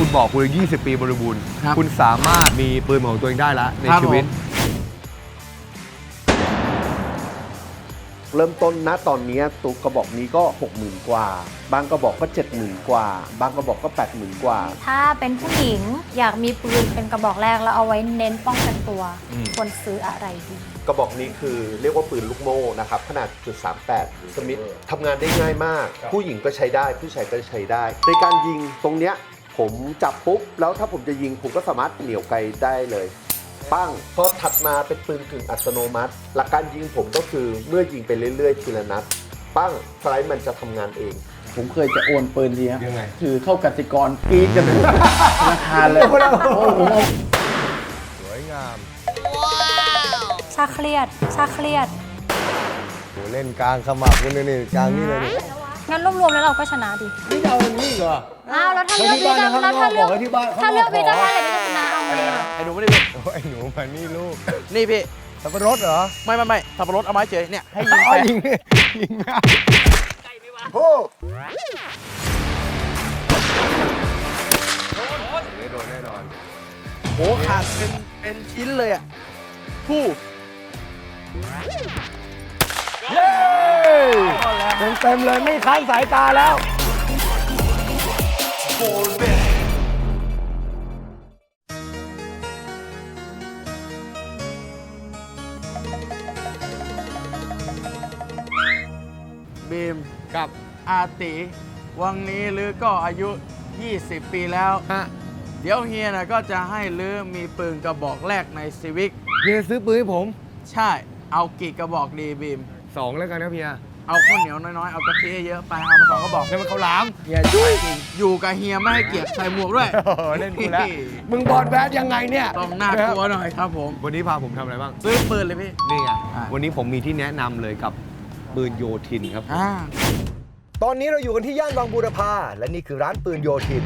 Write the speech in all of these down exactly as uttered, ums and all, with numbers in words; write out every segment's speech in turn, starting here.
บอกคุณยี่สิบปีบริบูรณ์คุณสามารถมีปืนของตัวเองได้แล้วในชีวิตเริ่มต้นณตอนนี้ตัวกระบอกนี้ก็ หกหมื่น กว่าบางกระบอกก็ เจ็ดหมื่น กว่าบางกระบอกก็ แปดหมื่น กว่าถ้าเป็นผู้หญิงอยากมีปืนเป็นกระบอกแรกแล้วเอาไว้เน้นป้องกันตัวควรซื้ออะไรดีกระบอกนี้คือเรียกว่าปืนลูกโม่นะครับขนาดจุดสามแปดสมิธทำงานได้ง่ายมากผู้หญิงก็ใช้ได้ผู้ชายก็ใช้ได้ในการยิงตรงเนี้ยผมจับปุ๊บแล้วถ้าผมจะยิงผมก็สามารถเหนี่ยวไกลได้เลยปั้งพอถัดมาเป็นปืนกึ่งอัตโนมัติหลักการยิงผมก็คือเมื่อยิงไปเรื่อยๆทีละนัดปั้งสไลด์มันจะทำงานเองผมเคยจะโอนปืนทีครับยังไงถือเข้ากสิกรกรี๊ดกันราคาเลยโอ้โหสวยงามชาเครียดชาเครียดโหเล่นกลางขมับคุณนี่กลางนี่เลยงั้นรวมๆแล้วเราก็ชนะดินี่เอาอย่างนี้เหรออ้าวแล้วถ้าเลือกพี่จะแล้วถ้าเลือกถ้าเลือกพี่จะว่าอะไรพี่จะชนะเอาไงอ่ะไอ้หนูไม่ได้ลูกไอ้หนูมานี่ลูกนี่พี่สับปะรดเหรอไม่ไม่ไม่สับปะรดเอาไม้เฉยเนี่ยให้ยิงไปยิงยิงนะโอ้โดนแน่นอนโหขาดเป็นเป็นชิ้นเลยอ่ะผู้เย้เต็มเต็มเลยไม่ค้านสายตาแล้วบีมกับอาติวังนี้ลือก็อายุ ยี่สิบ ปีแล้วเดี๋ยวเฮียนะก็จะให้ลือมีปืนกระบอกแรกในซีวิกเฮียซื้อปืนให้ผมใช่เอากี่กระบอกดีบีมสองแล้วกันนะเฮียเอาข้าวเหนียวน้อยๆเอากะทิเยอะไปเอามาสองกระบอกให้มันเขาหลามเฮียช่วยอยู่กับเฮียไม่ให้เกียรติใส่หมวกด้วยเล่นกูแล้วมึงบอลแบดยังไงเนี่ยต้องน่ากลัวหน่อยครับผมวันนี้พาผมทำอะไรบ้างซื้อปืนเลยพี่นี่ไงวันนี้ผมมีที่แนะนำเลยกับปืนโยธินครับตอนนี้เราอยู่กันที่ย่านบางบูรพาและนี่คือร้านปืนโยธิน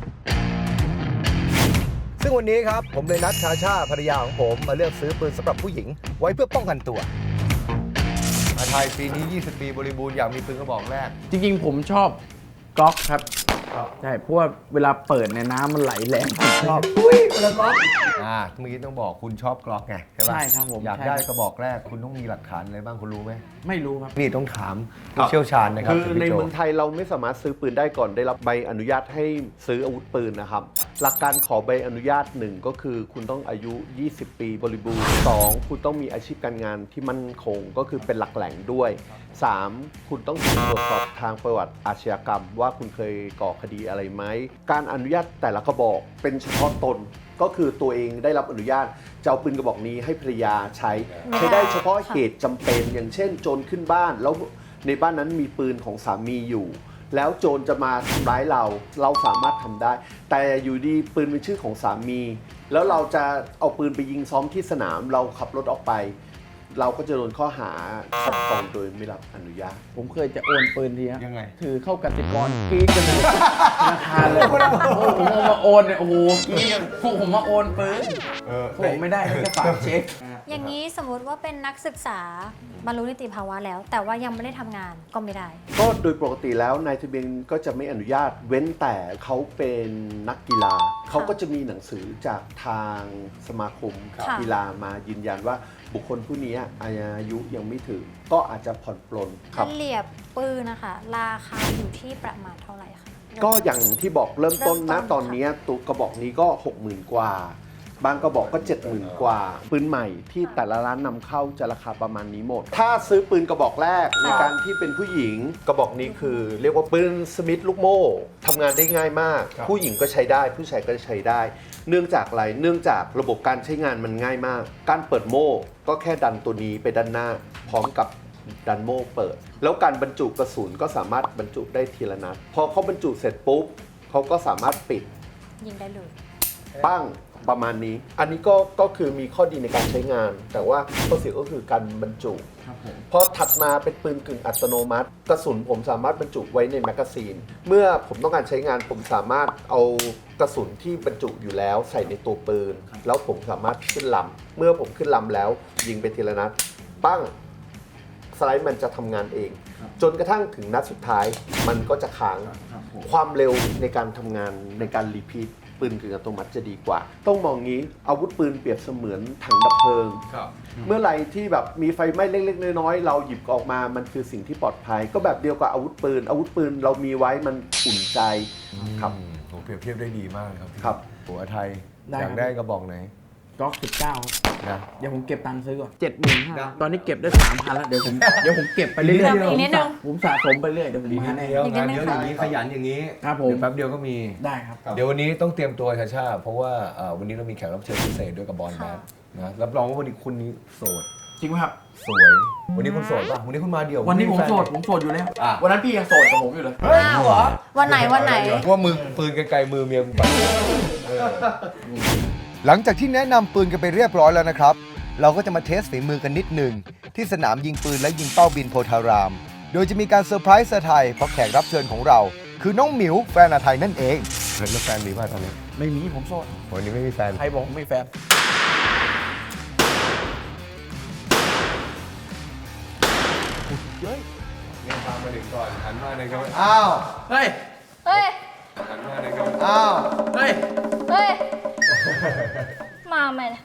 ซึ่งวันนี้ครับผมเลยนัดชาชาภรรยาของผมมาเลือกซื้อปืนสำหรับผู้หญิงไว้เพื่อป้องกันตัวมาไทยปีนี้ยี่สิบปีบริบูรณ์อยากมีปืนกระบอกแรกจริงๆผมชอบก๊อกครับใช่เพราะว่าเวลาเปิดในน้ำมันไหลแรงชอบอุ้ยปืนกล็อกอ่าเมื่อกี้ต้องบอกคุณชอบกล็อกไงใช่ป่ะใช่ครับผมอยากได้กระบอกแรกคุณต้องมีหลักฐานอะไรบ้างคุณรู้ไหมไม่รู้ครับนี่ต้องถามผู้เชี่ยวชาญนะครับคือในเมืองไทยเราไม่สามารถซื้อปืนได้ก่อนได้รับใบอนุญาตให้ซื้ออาวุธปืนนะครับหลักการขอใบอนุญาตหนึ่งก็คือคุณต้องอายุ ยี่สิบ ปีบริบูรณ์สองคุณต้องมีอาชีพการงานที่มั่นคงก็คือเป็นหลักแหล่งด้วยสามคุณต้องตรวจสอบทางประวัติอาชญากรรมว่าคุณเคยก่อคดีอะไรไหมการอนุญาตแต่ละกระบอกเป็นเฉพาะตนก็คือตัวเองได้รับอนุญาตจะเอาปืนกระบอกนี้ให้ภรรยาใช้ใช้ได้เฉพาะเหตุจำเป็นอย่างเช่นโจรขึ้นบ้านแล้วในบ้านนั้นมีปืนของสามีอยู่แล้วโจรจะมาทำร้ายเราเราสามารถทำได้แต่อยู่ดีปืนเป็นชื่อของสามีแล้วเราจะเอาปืนไปยิงซ้อมที่สนามเราขับรถออกไปเราก็จะโดนข้อหาครอบครองโดยไม่รับอนุญาตผมเคยจะโอนปืนทีครับยังไงถือเข้ากสิกรกรี๊ดกันราคาเลยผมเอามาโอนเนี่ยโอ้โหกรี๊ดพวกผมมาโอนปืนผมไม่ได้แค่ฝากเช็คอย่างนี้สมมติว่าเป็นนักศึกษาบรรลุนิติภาวะแล้วแต่ว่ายังไม่ได้ทำงานก็ไม่ได้ก็โดยปกติแล้วนายทะเบียนก็จะไม่อนุญาตเว้นแต่เขาเป็นนักกีฬาเขาก็จะมีหนังสือจากทางสมาคมกีฬามายืนยันว่าบุคคลผู้นี้อายุยังไม่ถึงก็อาจจะผ่อนปลนครับเหรียบปืนนะคะราคาอยู่ที่ประมาณเท่าไหร่คะก็อย่างที่บอกเริ่มต้นณตอนนี้ตัวกระบอกนี้ก็ หกหมื่น กว่าบางกระบอกก็ เจ็ดหมื่น กว่าปืนใหม่ที่แต่ละร้านนำเข้าจะราคาประมาณนี้หมดถ้าซื้อปืนกระบอกแรกในการที่เป็นผู้หญิงกระบอกนี้คือเรียกว่าปืนสมิธลูกโม่ทำงานได้ง่ายมากผู้หญิงก็ใช้ได้ผู้ชายก็ใช้ได้เนื่องจากอะไรเนื่องจากระบบการใช้งานมันง่ายมากการเปิดโม่ก็แค่ดันตัวนี้ไปด้านหน้าพร้อมกับดันโม่เปิดแล้วการบรรจุกระสุนก็สามารถบรรจุได้ทีละนัดพอเขาบรรจุเสร็จปุ๊บเขาก็สามารถปิดยิงได้เลยปั้งประมาณนี้อันนี้ก็ก็คือมีข้อดีในการใช้งานแต่ว่าข้อเสียก็คือการบรรจุพอถัดมาเป็นปืนกึ่งอัตโนมัติกระสุนผมสามารถบรรจุไว้ในแมกกาซีนเมื่อผมต้องการใช้งานผมสามารถเอากระสุนที่บรรจุอยู่แล้วใส่ในตัวปืนแล้วผมสามารถขึ้นลำเมื่อผมขึ้นลำแล้วยิงไปทีละนัดปั้งสไลด์มันจะทำงานเองจนกระทั่งถึงนัดสุดท้ายมันก็จะค้างความเร็วในการทำงานในการรีพีทปืนกึ่งอัตโนมัติจะดีกว่า ต้องมองงี้อาวุธปืนเปรียบเสมือนถังดับเพลิงครับเมื่อไหร่ที่แบบมีไฟไหม้เล็กๆน้อยๆเราหยิบออกมามันคือสิ่งที่ปลอดภัย ก็แบบเดียวกับอาวุธปืน อาวุธปืนเรามีไว้มันอุ่นใจครับอืมโหเปรียบเทียบได้ดีมากครับพี่ครับหัวไทยได้อยากครับได้กระบอกไหนก๊อกสิบเก้านะเดี๋ยวผมเก็บตังค์ซื้อก่อนเจ็ดหมื่นห้าตอนนี้เก็บได้สามพันแล้ว เดี๋ยวผมเดี๋ยวผมเก็บไปเรื่อยอีกนิดนึงๆผมสะสมไปเรื่อยเดี๋ยวผมดีมีนิดแน่เดียวอีกนิงาดนนึงเยอะอย่างนี้ขยันอย่างนี้ครับผมเดี๋ยวแป๊บเดียวก็มีได้ครับเดี๋ยววันนี้ต้องเตรียมตัวชาชาเพราะว่าเอ่อวันนี้เรามีแขกรับเชิญพิเศษด้วยกับบอลแบค่ะทนะรับรองว่าวันนี้คุณนี้โสดจริงไหมครับสวย วันนี้คุณโสดป่ะวันนี้คุณมาเดี่ยววันนี้ผมไแฟโสดผมโสดอยู่แล้วอ่ะวันนั้นพี่ยังโสดกับผมอยู่เลยอ้าวเหรอ วันไหนวันไหนว่ามือปืนไกลๆมือเมียกูไปหลังจากที่แนะนำปืนกันไปเรียบร้อยแล้วนะครับ เราก็จะมาเทสฝีมือกันนิดหนึ่งที่สนามยิงปืนและยิงเป้าบินโพธาราม โดยจะมีการเซอร์ไพรส์เซอร์ไทยเพราะแขกรับเชิญของเรา คือน้องหมิวแฟนอาไทยนั่นเองเฮ้ยแล้วแฟนมีป่ะตอนนี้ไม่มีผมโสดวันนี้ไม่มีแฟนใครบอกผมไม่แฟนเนี่ยตามมาถึงก่อนหันมาในกล้องอ้าวเฮ้ยเฮ้ยหันมาในกล้องอ้าวเฮ้ยเฮ้ย มาไหมเนี่ย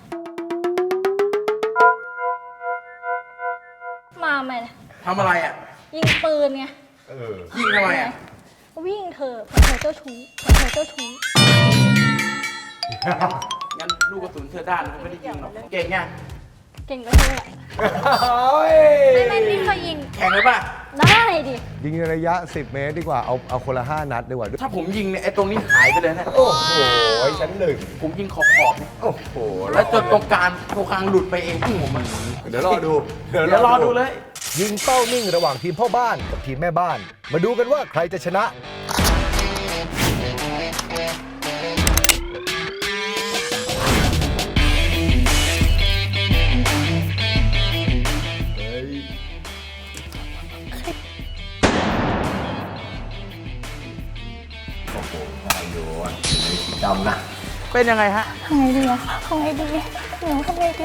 มาไหมเนี่ยทำอะไรอ่ะยิงปืนไงเออยิงทำไมอ่ะวิ่งเธอะเผื่อเธอเจ้าชู้เผื่อเธอเจ้าชู้งั้นลูกกระสุนเธอด้านนะไม่ได้ยิงหรอก เก่งยังเก่งก็เธอแหละไม่ไม่นี่เคยยิงแข่งเลยป่ะได้ดิยิงในระยะ สิบ เมตรดีกว่า เอาเอาคนละ ห้า นัดดีกว่าถ้าผมยิงเนี่ยไอ้ตรงนี้หายไปเลยนะโอ้โหชั้นหนึ่งผมยิงขอบขอบๆเนี่ยโอ้โหแล้วจนตรงกลางตรงกลางหลุดไปเองผมมันเดี๋ยวรอดูเดี๋ยวรอดูเลยยิงเป้านิ่งระหว่างทีมพ่อบ้านกับทีมแม่บ้าน มาดูกันว่าใครจะชนะ โอ้โหพายุอ่ะสีดำนะเป็นยังไงฮะทำไงดีอะทำไงดีหนูทำไงดี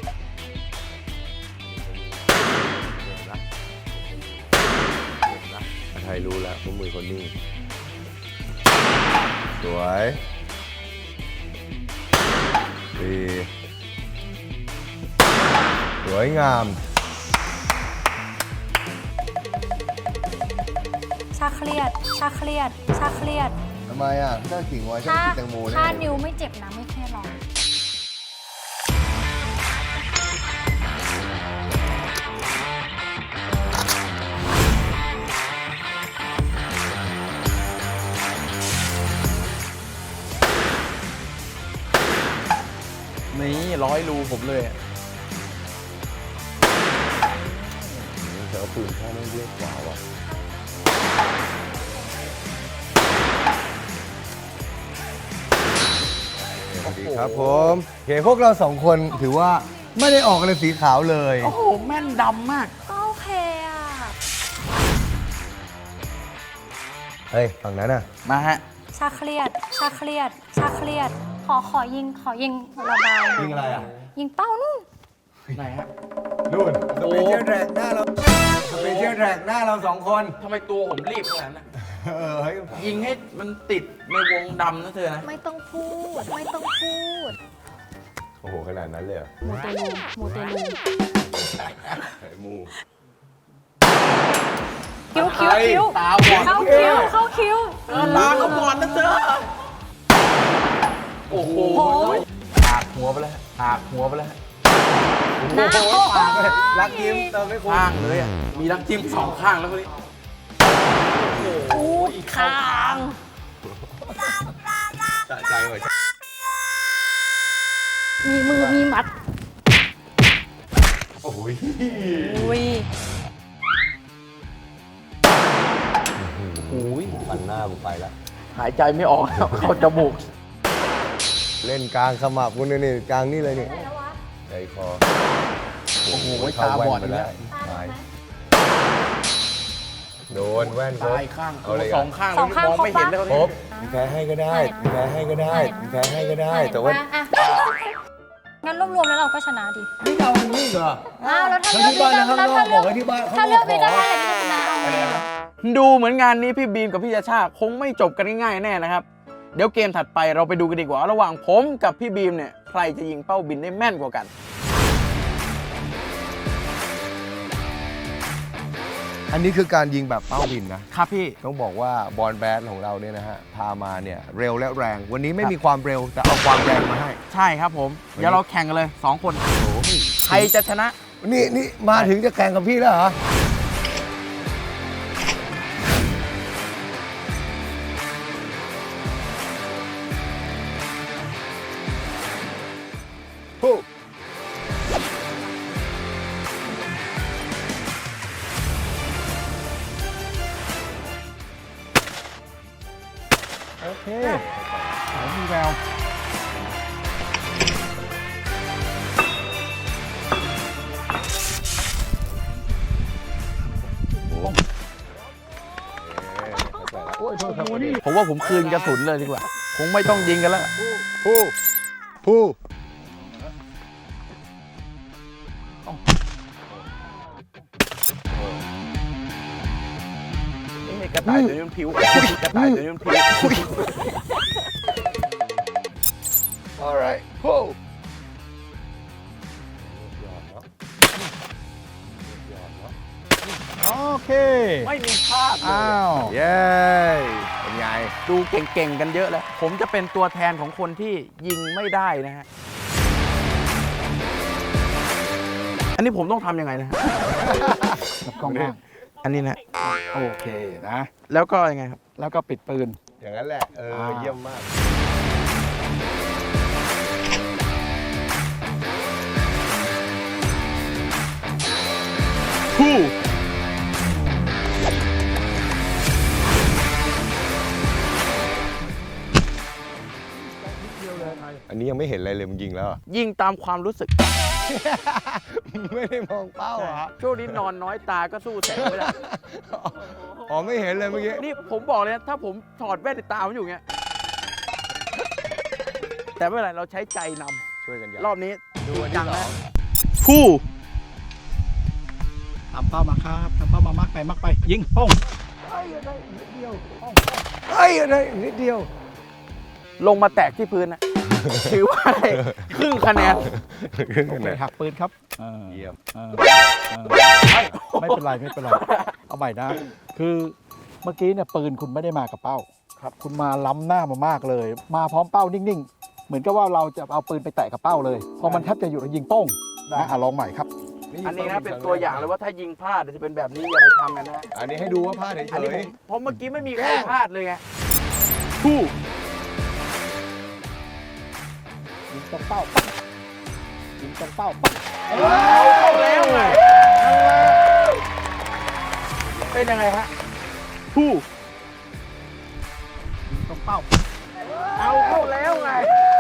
ไทยรู้แล้วว่ามือคนนิ่งสวยดีสวยงามชาเครียด ชาเครียด ชาเครียดทำไมอ่ะถ้ากิ่งไว้ฉันถ้ากินแตงโมแน่ถ้านิ้วไม่เจ็บนะไม่เครียดหรอกนี่ร้อยรูผมเลยอะแต่ว่าปืนพ่อไม่เล็กกว่าว่ะสวัสดีครับผมโอเคพวกเราสองคนถือว่าไม่ได้ออกอะไรสีขาวเลยโอ้โห แม่นดำมากก็โอเคอะเฮ้ยฝั่งนั้นอ่ะมาฮะชาเครียด ชาเครียด ชาเครียด ขอขอยิง ขอยิงระบายยิงอะไรอ่ะยิงเป้านู่นไหนฮะนู่นสโอ้เปเชียลแทร็กหน้าเราสเปเชียลแทร็กหน้าเราสองคนทำไมตัวผมรีบขนาดนั้นนะเออเฮ้ยยิงให้มันติดในวงดำนะเธอนะไม่ต้องพูด ไม่ต้องพูดโอ้โหขนาดนั้นเลยเหรอมูเตลูมูเตลูไอ้มูคิ้วคิ้วคิ้วตาบอดเข้าคิ้ว เข้าคิ้วเออตาเขาบอดนะเธอ โอ้โหโอ้ยหักหัวไปแล้วหักหัวไปแล้วหน้าโอ้โหปากเลยรักยิ้มเติมไม่คุ้มข้างเลยอะมีรักจิ้มสองข้างแล้วคนนี้อู้คางสะใจว่ะมีมือ มีหมัดโอ้ยอุ้ยโอ้ยฟันหน้ากูไปแล้วหายใจไม่ออกแล้วเข้าจมูกเล่นกลางขมับกูนี่นี่กลางนี่เลยนี่ใจคอโอ้โหเข้ตาบอดแว่นไปแล้แล้ว วตายโดนแว่นครบตายข้างเอาเลยสอ่ะองข้างสองข้างมองไม่เห็นเลยครบมีแพ้ให้ก็ได้มีแพ้ให้ก็ได้มีแพ้ให้ก็ได้ แต่ว่าอ่ะงั้นรวมๆแล้วเราก็ชนะดินี่เอาอันนี้เหรออ้าวแล้วถ้าแล้วเลือกที่พี่บ้านก็นะข้างนอกบอกไว้ที่บ้านถ้าเลือกพี่ก็ขได้แหละพี่ก็ชนะเอาไงดูเหมือนงานนี้พี่บีมกับพี่ชาชาคงไม่จบกันง่ายๆแน่นะครับเดี๋ยวเกมถัดไปเราไปดูกันดีกว่าระหว่างผมกับพี่บีมเนี่ยใครจะยิงเป้าบินได้แม่นกว่ากันอันนี้คือการยิงแบบเป้าบินนะครับพี่ต้องบอกว่าบอลแบดของเราเนี่ยนะฮะพามาเนี่ยเร็วและแรง วันนี้ไม่มีความเร็วแต่เอาความแรงมาให้ใช่ครับผม เดี๋ยวเราแข่งกันเลยสองคนใครจะชนะนี่นี่มาถึงจะแข่งกับพี่แล้วเหรอโอ้โอเคมีแววผมว่าผมคืนกระสุนเลยดีกว่า คงไม่ต้องยิงกันแล้วผู้ผู้กระต่ายตัวนี้มันผิวกระต่ายตัวนี้มันผิว alright ผู้โอเคไม่มีพลาดเลยอ้าวเย้เป็นไงดูเก่งๆกันเยอะแล้ว ผมจะเป็นตัวแทนของคนที่ยิงไม่ได้นะฮะ อันนี้ผมต้องทำยังไงนะฮะกับกล้องบ้างอันนี้นะโอเคนะแล้วก็ยังไงครับแล้วก็ปิดปืนอย่างนั้นแหละ เอออ่าเยี่ยมมากคู่อันนี้ยังไม่เห็นอะไรเลยมึงยิงแล้วเหรอยิงตามความรู้สึกไม่ได้มองเป้าเหรอช่วงนี้นอนน้อยตาก็สู้แสงไม่ได้อ๋อไม่เห็นเลยเมื่อกี้นี่ผมบอกเลยนะ ถ้าผมถอดแว่นตาผมอยู่เงี้ย แต่ไม่เป็นไร เราใช้ใจนช่วยกันยัำรอบนี้ดูอันจัที่งสอนะงคู่ทำเป้ามาครับทำเป้ามามักไปมักไป ยิงป้องเฮ้ยอะไรนิดเดียวลงมาแตกที่พื้นนะ ถือว่าได้ครึ่งคะแนนโอเคหักปืนครับเออเยี่ยมเออเออไม่เป็นไรไม่เป็นไร เอาใหม่นะ คือเมื่อกี้เนี่ยปืนคุณไม่ได้มากับเป้า ครับ คุณมาล้ำหน้ามามากเลย มาพร้อมเป้านิ่งๆ เหมือนกับว่าเราจะเอาปืนไปแตะกับเป้าเลย พอมันแทบจะอยู่แล้วยิงโป้งนะอ่ะลองใหม่ครับอันนี้นะเป็นตัวอย่างเลยว่าถ้ายิงพลาดจะเป็นแบบนี้อย่าไปทำกันนะอันนี้ให้ดูว่าพลาดเฉอันนี้ผยมเพราะเมื่อกี้ไม่มีใครพลาดเลยไงคู่ยิงตรงเป้าปั๊บยิงตรงเป้าปั๊บเอาแล้วไงเป็นยังไงฮะคู่ยิงตรงเป้าเอาเข้าแล้วไง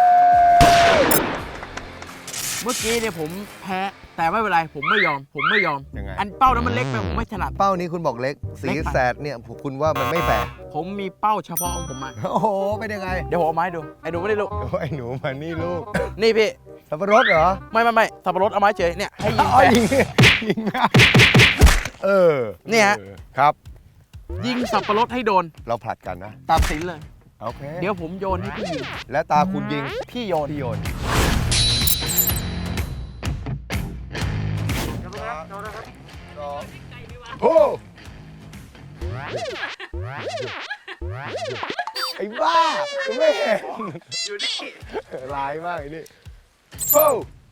เมื่อกี้เนี่ยผมแพ้แต่ไม่เป็นไรผมไม่ยอม ผมไม่ยอมๆยังไงอันเป้านั้นมันเล็กไปผมไม่ถนัดเป้านี้คุณบอกเล็ก สีเล็กไปแสดเนี่ยคุณว่ามันไม่แฟร์ผมมีเป้าเฉพาะของผมมาโอ้โห เป็นยังไงเดี๋ยวผมเอาไม้ดูไอ้หนูไม่ได้ลูกโอ้ยหนูมานี่ลูกนี่พี่สับปะรดเหรอไม่ไม่ไม่สับปะรดเอาไม้เฉยเนี่ยให้ยิงอ๋ไปอยิงยิงนะเออเนี่ยฮะออครับยิงสับปะรดให้โดนเราผลัดกันนะตัดสินเลยโอเคเดี๋ยวผมโยนให้พี่ยิงและตาคุณยิงพี่โยนพี่โยนโอ้ไอ้บ้ากูไม่เห็นอยู่นี่ร้ายมากไอ้นี่โอ้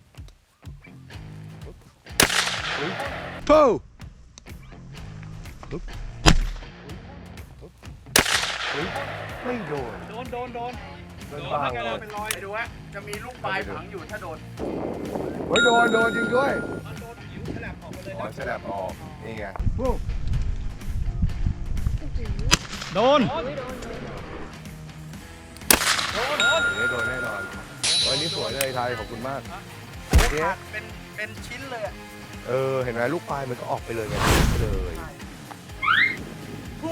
โอ้ไม่โดนโดนโดนโดนโดนบ้างโดนเป็นรอยไปดูฮะจะมีลูกปลายฝังอยู่ถ้าโดนเฮ้ยโดนโดนจริงด้วยอ๋อฉลับออกนี่ไงโดนนี่โดนแน่นอนวันนี้สวยเลยไทยขอบคุณมากขาดเป็นเป็นชิ้นเลยอะเออ เห็นไหมลูกปลายมันก็ออกไปเลยไงเลยคู่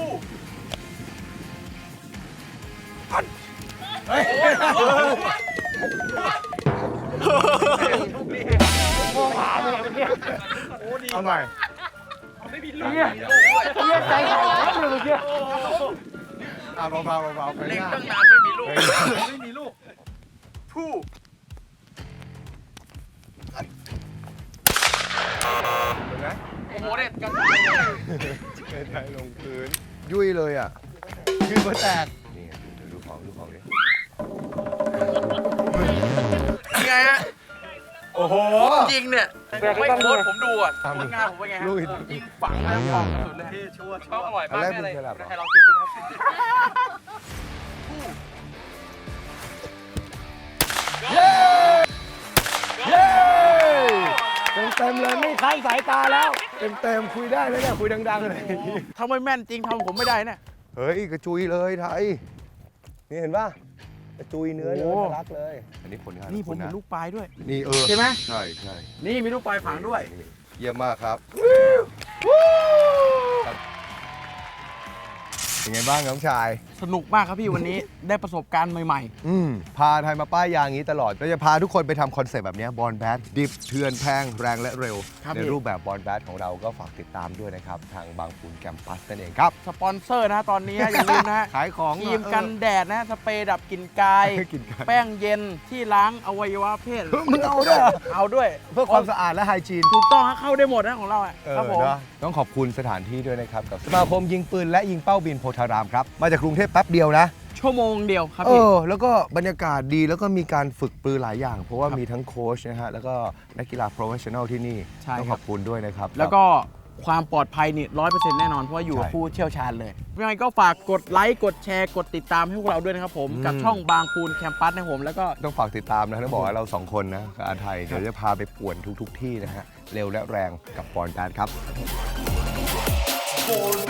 เฮ้ยเอาใหม่เนี่ยเนี่ยใจหายเลยเมื่อกี้อ่ะเบาๆเบาๆไปเล็งหน้าตั้งนานไม่มีลูกไม่มีลูกผู้เห็นไหมโอ้โหเนี่ยกันไทยลงพื้น ยุ่ยเลยอ่ะขึ้นมาแตก นี่ไงดูของดูของดิยังไงฮะโอ้โหยิงเนี่ยไม่โค้ดผมดูอ่ะผลงานผมเป็นไงฮะลุยยิงฝังแล้วออกสุดเลยเขาอร่อยมากอะไรแน่เลยมึงจะหลับเหรอให้ลองชิมสิครับเย้เย้เต็มเต็มๆเลยไม่ค้านสายตาแล้ว เต็มเต็มๆคุยได้แล้วเนี่ยคุยดังๆเลยทำไมแม่นจริงทำผมไม่ได้เนี่ยเฮ้ยกระจุยเลยไทย นี่เห็นป่ะกระจุยเนื้อเลยโอ้ทะลักเลย อันนี้ผลงานนี่ของผคุมณเห็นะนลูกปลายด้วยนี่เออใช่ไหมใช่ใช่นี่มีลูกปลายฝังด้วยเยี่ยมมากครับเป็นไงบ้างน้องชายสนุกมากครับพี่วันนี้ ได้ประสบการณ์ใหม่อืมพาไทยมาป้ายยางอย่างนี้ตลอดเราจะพาทุกคนไปทำคอนเซปต์แบบนี้บอลแบดดิฟเถื่อนแพงแรงและเร็วครับในพี่รูปแบบบอลแบดของเราก็ฝากติดตามด้วยนะครับ ทางบางปูนแกมปัสนั่นเองครับๆ สปอนเซอร์นะตอนนี้ฮะอย่าลืมนะฮะขายของครีมกันแดดนะสเปรย์ดับกลิ่นกายเออกินกันแป้งเย็นที่ล้างอวัยวะเพศเฮ้ยมึงเอาด้วยเหรอเอาด้วยเพื่อความสะอาดและไฮจีนถูกต้องฮะเข้าได้หมดนะของเราอ่ะเออครับผมเนอะต้องขอบคุณสถานที่ด้วยนะครับ กับสมาคมยิงปืนและยิงเป้าบินโพธารามครับ มาจากกรุงเทพแป๊บเดียวนะชั่วโมงเดียวครับเอพี่อ แล้วก็บรรยากาศดีแล้วก็มีการฝึกปืนหลายอย่าง เพราะว่าครับมีทั้งโค้ชนะฮะ แล้วก็นักกีฬาโปรเฟชชั่นอลที่นี่ใช่ต้องคขรับอบคุณด้วยนะครับแล้วก็ความปลอดภัยนี่ร้อยเปอร์เซ็นต์แน่นอน เพราะว่าอยู่กับใช่ผู้เชี่ยวชาญเลยยังไงก็ฝากกดไลค์กดแชร์กดติดตามให้พวกเราด้วยนะครับผมอืมกับช่องบางปูนแคมปัสนะครับผมแล้วก็ต้องฝากติดตามนะต้องบอกว่าเราสองคนนะกับอาไทย เดี๋ยวจะพาไปป่วนทุก ๆ ที่นะฮะ เร็วและแรงกับบอลแบดครับ